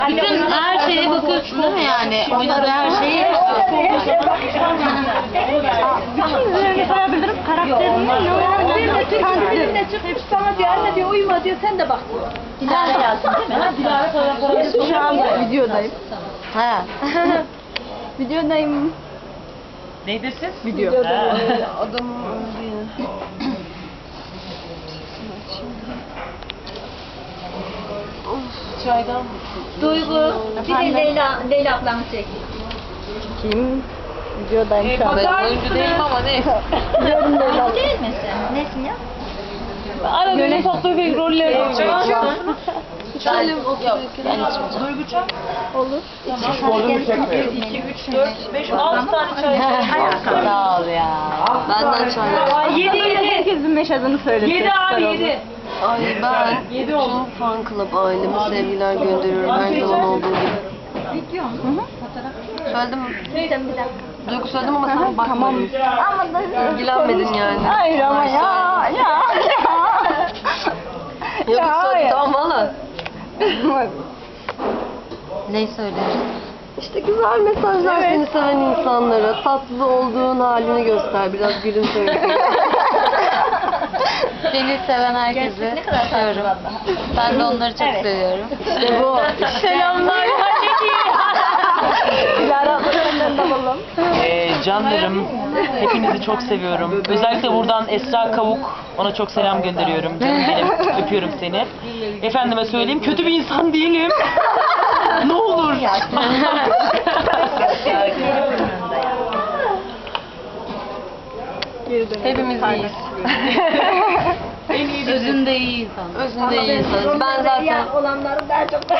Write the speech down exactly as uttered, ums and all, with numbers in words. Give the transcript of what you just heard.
Bütün her şeye bakıyorsun değil mi yani? Oynadığı her şeyi. Üzerine sayabilirim. Karakterini ne Kendine çıkmış sana diyor anne diyor uyuma diyor sen de bak diyor. Dilara yazsın değil mi? Dilara Şu anda videodayım. Ha. Videodayım. Neydi siz? Video. Adamın öldüğü. Çaydan mı? Duygu bir de Leyla, Leyla ablamı çek. Kim? Videodayım E, şu an. ben oyuncu değilim ama ne? Biliyorum Leyla. Değil misin? Nesin ya? Arada bir tatlı bir roller oynuyorum. Ben yok. Ben içmeyeceğim. Duygu çay. Olur. iki, üç, dört, beş, altı tane çay. Sağ ol ya. Benden çay. Ay yedi yedi. Herkesin yaşadığını söyledi. Yedi abi yedi. Ay ben bütün fan club aileme sevgiler gönderiyorum her zaman olduğu gibi. Video mu? Fotoğraf. Söyledim mi? Sen bir dakika. Duygu söyledim ama sen bakmadın. Ama da İlgilenmedin yani. Hayır ama ya ya ya. Yok Ya, söyledim hayır. tamam valla. Ne söylüyorsun? İşte güzel mesajlar Evet. seni seven insanlara. Tatlı olduğun halini göster. Biraz gülümse. Beni seven herkese Ne kadar tatlı seviyorum. Ben de onları çok seviyorum. İşte bu. Selamlar. Dilara abla senden de alalım. Ee, canlarım, hepinizi çok seviyorum. Özellikle buradan Esra Kavuk, ona çok selam gönderiyorum. Canım benim, öpüyorum seni. Efendime söyleyeyim, kötü bir insan değilim. Ne olur. Hepimiz iyiyiz. Özünde iyi insan. Özünde iyi insanız. Ben zaten olanları daha çok